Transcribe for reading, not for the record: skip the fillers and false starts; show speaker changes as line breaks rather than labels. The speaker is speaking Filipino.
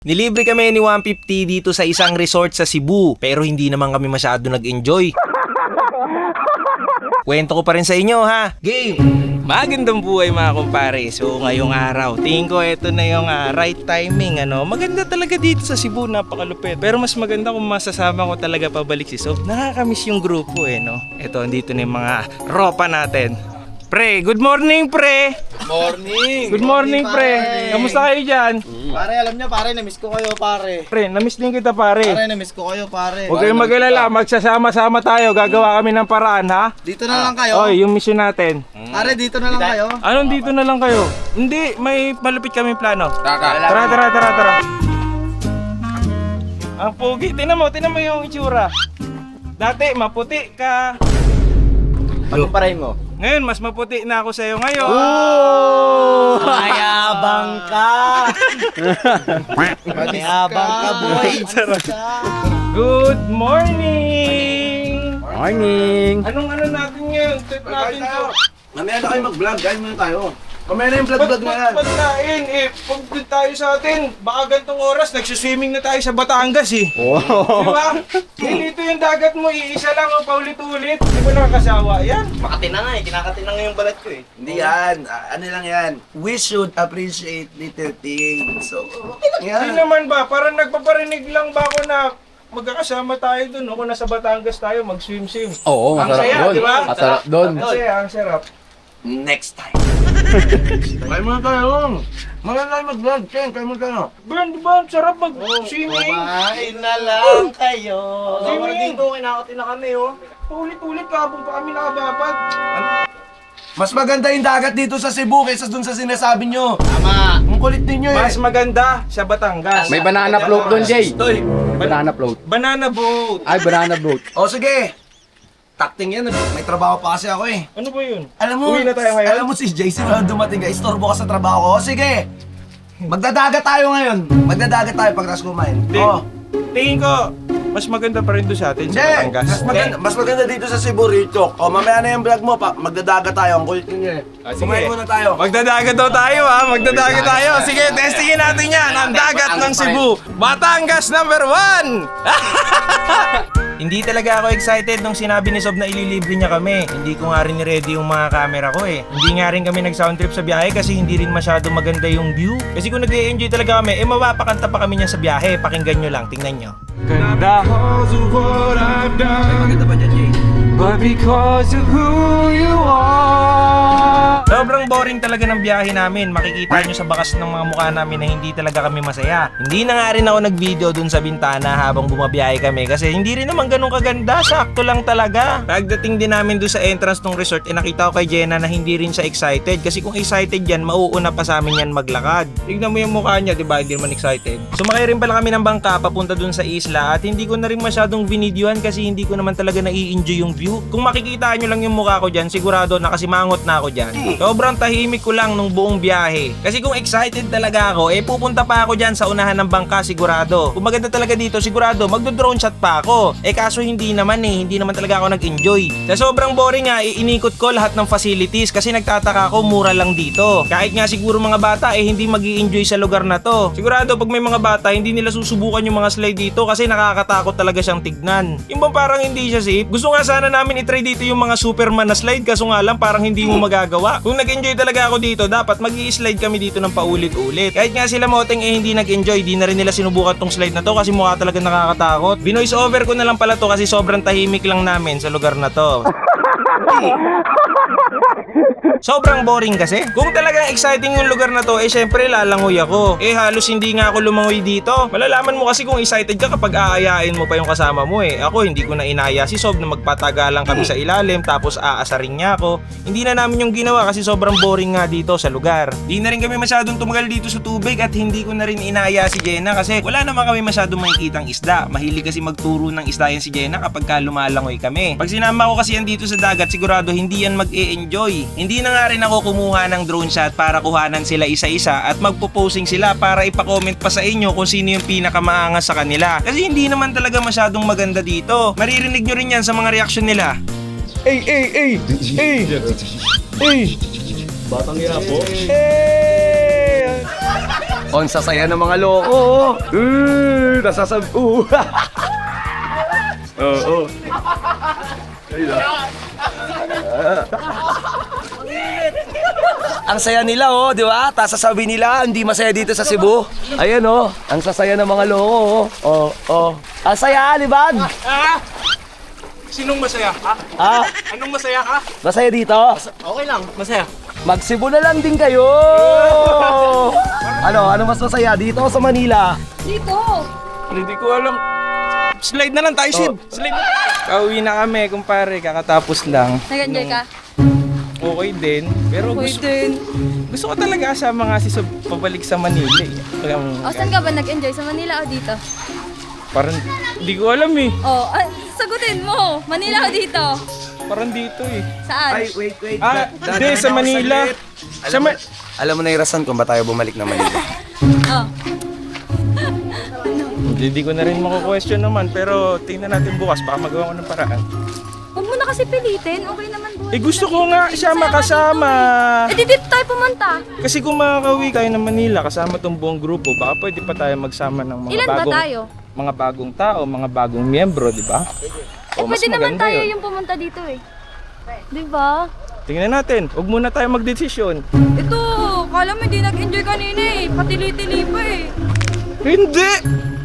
Nilibre kami ni 150 dito sa isang resort sa Cebu, pero hindi naman kami masyado nag-enjoy. Kwento ko pa rin sa inyo ha. Game! Magandang buhay mga kumpare. So ngayong araw, tingin ko ito na yung right timing. Maganda talaga dito sa Cebu, napakalupit. Pero mas maganda kung masasama ko talaga pabalik si Sob. Nakakamiss yung grupo no. Ito, andito na yung mga ropa natin. Pre, good morning pre!
Morning!
Good morning pre! Kamusta kayo dyan?
Pare, alam niyo pare, namiss ko kayo pare.
Pre, namiss din kita pare.
Pare, namiss ko kayo pare.
Huwag kayong mag-alala, magsasama-sama tayo. Gagawa kami ng paraan ha.
Dito na lang kayo.
Oy, yung mission natin.
Pare, dito na lang kayo.
Anong dito na lang kayo? Hindi, may malupit kami plano. Tara. Ang pogi, tinan mo yung itsura. Dati, maputi ka.
Pagkumparahin mo.
Ngayon, mas maputi na ako sa'yo ngayon.
Mayabang ka! Mayabang ka, boy!
Good morning!
Morning!
Anong natin ngayon? Trip natin to.
Mamaya na kayo mag-vlog, guys muna tayo. Mamaya na yung vlog na yan.
Pagkain pag tayo sa atin, baka gantong oras, nagsuswimming na tayo sa Batangas
Wow!
Diba? Dito yung dagat mo, iisa lang o paulit-ulit. Di ba nakakasawa yan?
Makati na nga kinakati na nga yung balat ko
Hindi yan. Ano lang yan. We should appreciate little things. So, okay lang yan.
Hindi naman ba, parang nagpaparinig lang ba ako na magkakasama tayo dun, kung nasa Batangas tayo, mag-swim-swim.
Oo,
Ang
masarap
saya,
doon.
di ba?
Masarap doon.
Ang saya, ang sarap.
Next time.
Kayo muna tayo. Mamaya na kayo mag-vlog, Ken. Kayo muna tayo.
Bern, di ba? Ang sarap mag-swimming.
Kumain na lang kayo.
Swimming.
Dito, kinakati na kami
Paulit-ulit, kabong pa kami nakababat.
Mas maganda yung dagat dito sa Cebu kaysa dun sa sinasabi nyo.
Tama.
Ang kulit ninyo
Mas maganda sa Batangas.
May banana float doon, Jay.
Toy.
Banana float.
Banana boat.
Ay, banana boat.
O sige. Takting yan. May trabaho pa kasi ako eh.
Ano ba yun?
Alam mo,
Uwi na tayo ngayon?
alam mo si JC na dumating ka. Istorbo ka sa trabaho ko. O sige. Magdadagat tayo ngayon. Magdadagat tayo pagkas kumain.
Hindi.
Oh.
Tingin ko, mas maganda pa rin doon sa atin sa
Hindi.
Batangas.
Mas maganda dito sa Cebu, Richok. O mamaya na yung vlog mo. Magdadagat tayo. Ang kulit ninyo eh.
Sige.
Kumain muna tayo.
Magdadagat daw tayo magdadagat tayo. Sige, testingin natin yan. Ang dagat ng Cebu. Batangas number 1! Hindi talaga ako excited nung sinabi ni Sob na ililibre niya kami. Hindi ko nga rin ni-ready yung mga camera ko eh. Hindi nga rin kami nag-sound trip sa biyahe kasi hindi rin masyado maganda yung view. Kasi kung nag-e-enjoy talaga kami, mapapakanta pa kami niya sa biyahe. Pakinggan nyo lang, tingnan nyo. Ganda.
Maganda ba dyan, Jay?
But because of who you are. Sobrang boring talaga ng biyahe namin. Makikita nyo sa bakas ng mga mukha namin na hindi talaga kami masaya. Hindi na nga rin ako nag-video dun sa bintana habang bumabiyahe kami kasi hindi rin naman ganun kaganda. Sakto lang talaga. Pagdating din namin dun sa entrance ng resort, nakita ko kay Jenna na hindi rin siya excited. Kasi kung excited yan, mauuna pa sa amin yan maglakad. Tignan mo yung mukha niya, diba? Hindi naman excited. Sumakay rin pala kami ng bangka papunta dun sa isla at hindi ko na rin masyadong vinidyoan kasi hindi ko naman talaga nai-enjoy yung view. Kung makikita nyo lang yung mukha ko dyan, sigurado nakasimangot na ako dyan. Sobrang tahimik ko lang nung buong biyahe. Kasi kung excited talaga ako, pupunta pa ako dyan sa unahan ng bangka sigurado. Kung maganda talaga dito, sigurado magdo-drone shot pa ako. Kaso hindi naman hindi naman talaga ako nag-enjoy. Sa sobrang boring nga, inikot ko lahat ng facilities kasi nagtataka ako mura lang dito. Kahit nga siguro mga bata hindi magi-enjoy sa lugar na to. Sigurado pag may mga bata, hindi nila susubukan yung mga slide dito kasi nakakatakot talaga siyang tignan. Yung bang parang hindi siya safe? Gusto nga sana namin i-try dito yung mga Superman na slide kaso nga lang parang hindi mo magagawa. Kung nag-enjoy talaga ako dito, dapat mag-i-slide kami dito ng paulit-ulit. Kahit nga sila Moteng hindi nag-enjoy, di na rin nila sinubukan tong slide na to kasi mukha talaga nakakatakot. Binoise over ko na lang pala to kasi sobrang tahimik lang namin sa lugar na to. Sobrang boring kasi. Kung talagang exciting yung lugar na to, syempre lalangoy ako. Halos hindi nga ako lumangoy dito. Malalaman mo kasi kung excited ka kapag aayain mo pa yung kasama mo Ako hindi ko na inaya si Sob na magpatagalan kami sa ilalim tapos aasarin niya ako. Hindi na namin yung ginawa kasi sobrang boring nga dito sa lugar. Di na rin kami masyadong tumagal dito sa tubig at hindi ko na rin inaya si Jenna kasi wala naman kami masyadong makikitang isda. Mahilig kasi magturo ng isda yan si Jenna kapag lumalangoy kami. Pag sinama ko kasi yan dito sa dagat, sigurado hindi yan mag-e-enjoy. Hindi na nga rin ako kumuha ng drone shot para kuhanan sila isa-isa at magpo-posing sila para ipa-comment pa sa inyo kung sino yung pinakamaangas sa kanila. Kasi hindi naman talaga masyadong maganda dito. Maririnig nyo rin yan sa mga reaksyon nila. Batang ina po.
On sa saya ng mga loko. Nasasab... Oo. Ang saya nila, oh, di ba? Tapos sasabihin nila, hindi masaya dito sa Cebu. Ayan, oh. Ang sasaya ng mga loko, oh. Ang saya, Libag.
Sinong masaya?
Ah,
Anong masaya ka?
masaya dito?
Okay lang, masaya.
Mag-Cebu na lang din kayo. Ano mas masaya? Dito o sa Manila?
Dito!
Hindi ko alam. Slide na lang tayo, Sid. Slide na. Kauwi na kami, kumpare. Kakatapos lang.
Nag-enjoy ka?
Okay din. Pero
Okay din.
gusto ko talaga kasama nga si Sob pabalik sa Manila eh.
O, saan ka ba nag-enjoy? Sa Manila o dito?
Parang, hindi ko alam eh.
O, sagutin mo! Manila o dito?
Parang dito eh.
Saan?
wait.
Hindi, sa Manila.
Alam mo na yung rason kung ba tayo bumalik na Manila.
Oh.
Hindi ko na rin mako-question naman. Pero tingnan natin bukas. Baka magawa ko ng paraan.
Huwag mo na kasi pilitin. Okay naman buhay.
Eh gusto ko nga siya makasama.
Eh di dito tayo pumunta.
Kasi kung makakauwi tayo ng Manila kasama tong buong grupo, baka pwede pa tayo magsama ng mga
Ilan ba tayo?
mga bagong tao, mga bagong miyembro, di ba?
Eh pwede naman tayo yung pumunta dito eh. Di ba?
Tingnan natin. Huwag muna tayo magdesisyon.
Ito, kala mo hindi nag-enjoy kanina eh. Patili-tili pa eh.
Hindi!